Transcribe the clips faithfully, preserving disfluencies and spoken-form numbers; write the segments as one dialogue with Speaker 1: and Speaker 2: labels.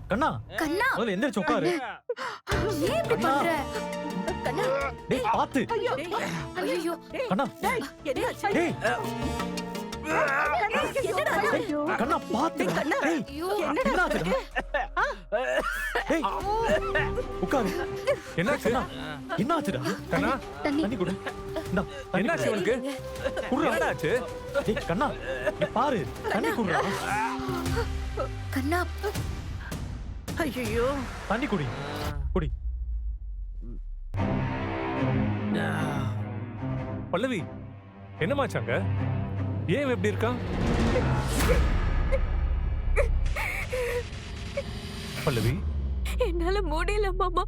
Speaker 1: கண்ணா
Speaker 2: கண்ணா
Speaker 1: முதல்ல எந்திரிச்சு உட்காரு.
Speaker 2: ஏன் இப்படி பண்ற? கண்ணா
Speaker 1: டேய் பாத்து.
Speaker 2: ஐயோ
Speaker 1: கண்ணா
Speaker 3: டேய், என்னாச்சு?
Speaker 1: டேய்
Speaker 3: என்னடா இது?
Speaker 1: கண்ணா பாத்து.
Speaker 3: கண்ணா,
Speaker 1: டேய்
Speaker 3: என்னடா
Speaker 1: என்னாச்சுடா? டேய் உட்காரு.
Speaker 4: என்னாச்சு?
Speaker 1: என்னாச்சுடா?
Speaker 4: கண்ணா
Speaker 2: தண்ணி
Speaker 1: தண்ணி குடு. இந்தா தண்ணி
Speaker 4: என்னாச்சு
Speaker 1: குடு.
Speaker 4: உனக்கு?
Speaker 1: குடுறா.
Speaker 4: என்னடாச்சு?
Speaker 1: டேய் கண்ணா இங்க பாரு. தண்ணி குடுறா.
Speaker 2: கண்ணா
Speaker 3: ஐயோ
Speaker 1: தண்ணி குடி. குடி.
Speaker 4: பல்லவி என்னமாச்சாங்க? ஏன் இவன் இப்படி இருக்கான்? பல்லவி
Speaker 2: என்னால முடியல மாமா.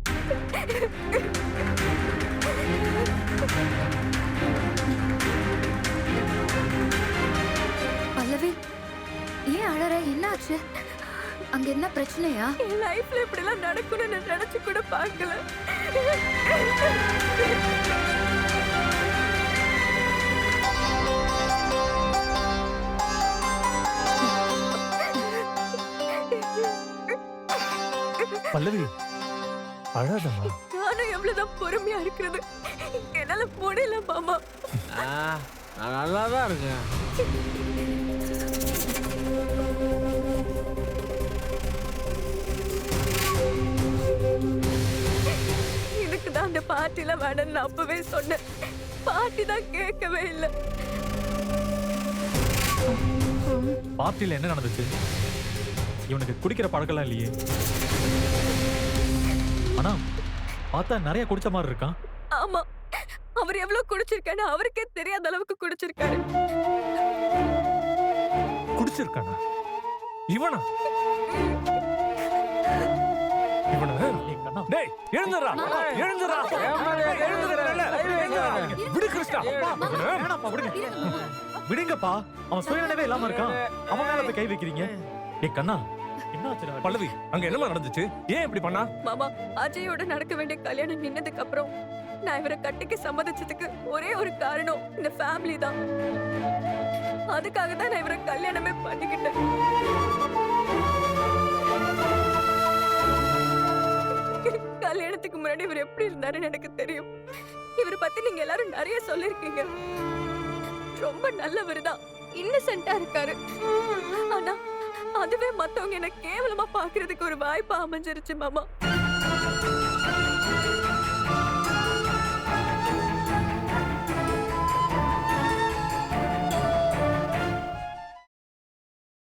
Speaker 2: பல்லவி ஏன் அழற? என்னாச்சு? அங்க என்ன பிரச்சனையா? என் லைஃப்ல இப்படி எல்லாம் நடக்கும்னு நான் நினைச்சு கூட பார்க்கல.
Speaker 1: பல்லவி அழாதம்மா.
Speaker 2: நானும் எவ்வளவுதான் பொறுமையா இருக்கிறது, என்னால முடியல மாமா.
Speaker 5: நான் நல்லா தான் இருக்கேன்.
Speaker 2: எனக்கு தான் அந்த பார்ட்டில வேணும்னு நான் அப்பவே சொன்னேன். பார்ட்டி தான் கேட்கவே இல்லை.
Speaker 1: பார்ட்டில என்ன நடந்துச்சு? இவனுக்கு குடிக்கிற பழக்கம்லாம் இல்லையே. ஆனா பார்த்தா நிறைய குடிச்ச மாதிரி இருக்கான்.
Speaker 2: ஆமா, அவர் எவ்வளவு குடிச்சிருக்காரு அவருக்கே தெரியாத அளவுக்கு குடிச்சிருக்காரு.
Speaker 4: குடிச்சிருக்கானா? இவனா? இவனா?
Speaker 1: ஏய் கண்ணா,
Speaker 4: டேய் எழுந்துடா, எழுந்துடா, எழுந்துடா. விடு கிருஷ்ணா.
Speaker 1: வேணாம்ப்பா, விடுங்க. விடுங்கப்பா, அவன் சுயநினைவே இல்லாம இருக்கான். அவன் மேல போய் கை வைக்கிறீங்க. ஏய் கண்ணா என்னாச்சுடா?
Speaker 4: பல்லவி அங்க என்னமா நடந்துச்சு? ஏன் இப்படி பண்ணா?
Speaker 2: மாமா, அஜயோட நடக்க வேண்டிய கல்யாணம் நின்னதுக்கு அப்புறம் நான் இவரை கட்டிக்க சம்மதிச்சதுக்கு ஒரே ஒரு காரணம் இந்த ஃபேமிலி தான். அதுக்காக தான் நான் இவரை கல்யாணமே பண்ணிக்கிட்டேன். கல்யாணத்துக்கு முன்னாடி இவர் எப்படி இருந்தாருன்னு எனக்கு தெரியும். இவரை பத்தி நீங்க எல்லாரும் நிறைய சொல்லிருக்கீங்க. ரொம்ப நல்லவர் தான், இன்னசென்ட்டா இருக்காரு. ஆனா அதுவே மத்தவங்க என்ன கேவலமா பாக்குறதுக்கு ஒரு வாய்ப்பா அமைஞ்சிருச்சு மாமா.